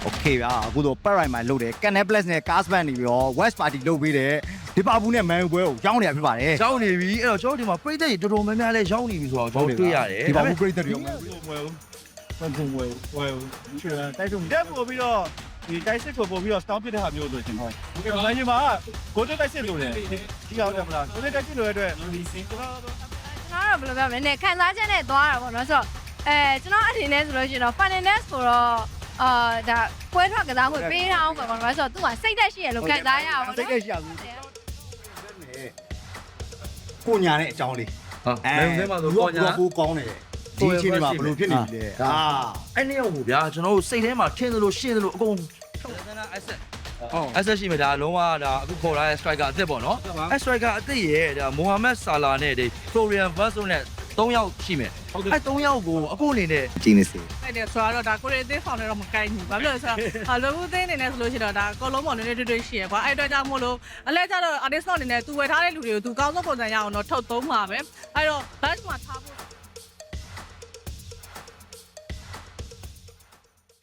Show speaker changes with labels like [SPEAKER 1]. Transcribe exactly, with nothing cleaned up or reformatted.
[SPEAKER 1] โอเคဗျာအခုတော့ Paradise မှာလုပ်တယ် Canal Plus နဲ့ Castbank နေပြီးတော့ West Party လုပ်ပေးတယ်ဒီပါဘူးနဲ့ Man U ပွဲကိုရောင်းနေတာဖြစ်ပါတယ်
[SPEAKER 2] ရောက်နေပြီအဲ့တော့ကျွန်တော်ဒီမှာပြည်သက်ကြီးတော်တော်များများလဲရောက်နေပြီဆိုတော့ကျွန်တော်တွေ့ရတယ်
[SPEAKER 1] ဒီပါဘူးပြည်သက်တွေရော
[SPEAKER 3] ဝယ်ဝယ်ဝယ်ဝယ်ချွေတိုက်စုံတက်ပို့ပြီးတော့ဒီတိုက်စစ်ကိုပို့ပြီးတော့ stop ပစ်တဲ့ဟာမျိုးဆိုရှင်ဟုတ်ဒီကနေ့မှာကိုတက်တိုက်စစ်လို့လေဒီရောက်တယ်မလားကိုတက်တိုက်စစ်လို့ရတဲ့ကျွန်တော်
[SPEAKER 4] ကျွန်တော်တော့ဘယ်လိုပြောမလဲနည်းခံစားချက်နဲ့သွားတာပေါ့နော်ဆိုတော့အဲကျွန်တော်အနေနဲ့ဆိုလို့ရှိရင်တော့ finance ဆိုတော့အာဒါပွဲထွက်ကစားခွင့်ပေးထားအောင်ပေါ့နော်ဆိုတော့သူကစိတ်သက်ရှိရလို့ခံစားရအောင်ပေါ့နော်
[SPEAKER 1] စိတ်ကရှိရဘူးကိုညာတဲ့အကြောင်းလေး
[SPEAKER 2] ဟာမင်းထဲမှာဆိုပေါ်ညာ
[SPEAKER 1] ကိုကောင်းတယ်ဒီအချိန်မှာဘယ်လိုဖြစ်နေပြီလဲအာ
[SPEAKER 2] အဲ့နေ့ရောက်ဘူးဗျာကျွန်တော်တို့စိတ်ထဲမှာထင်းသလိုရှင်းသလိုအကုန်ထုတ်တယ်နော် asset ဟုတ် asset ရှိမှာဒါလုံးဝဒါအခုခေါ်လာတဲ့ striker အသစ်ပေါ့နော်အဲ့ striker အသစ်ရဲ့ဒါမိုဟာမက်ဆာလာနဲ့ဒီ Florian Wirtz နဲ့၃ယောက်ရှိမယ်အဲ့၃ယောက်ကိုအခုအနေနဲ့
[SPEAKER 1] ကျင်းနေစေ
[SPEAKER 5] အဲ့ဒါဆိုတော့ဒါကိုရီအသေးဆောင်နေတော့မကိုင်းဘူးဘာဖြစ်လို့လဲဆိုတော့လောဘူးသေးနေနေဆိုလို့ရှိတော့ဒါကောလုံးပေါ်နေနေတွေ့တွေ့ရှိရကွာအဲ့အတွက်ကြောင့်မို့လို့အလဲကျတော့ artist အနေနဲ့သူဝယ်ထားတဲ့လူတွေကိုသူကောင်းဆုံးပုံစံရအောင်တော့ထုတ်သုံးပါပဲအဲ့တော့ batch မှာထားဖို့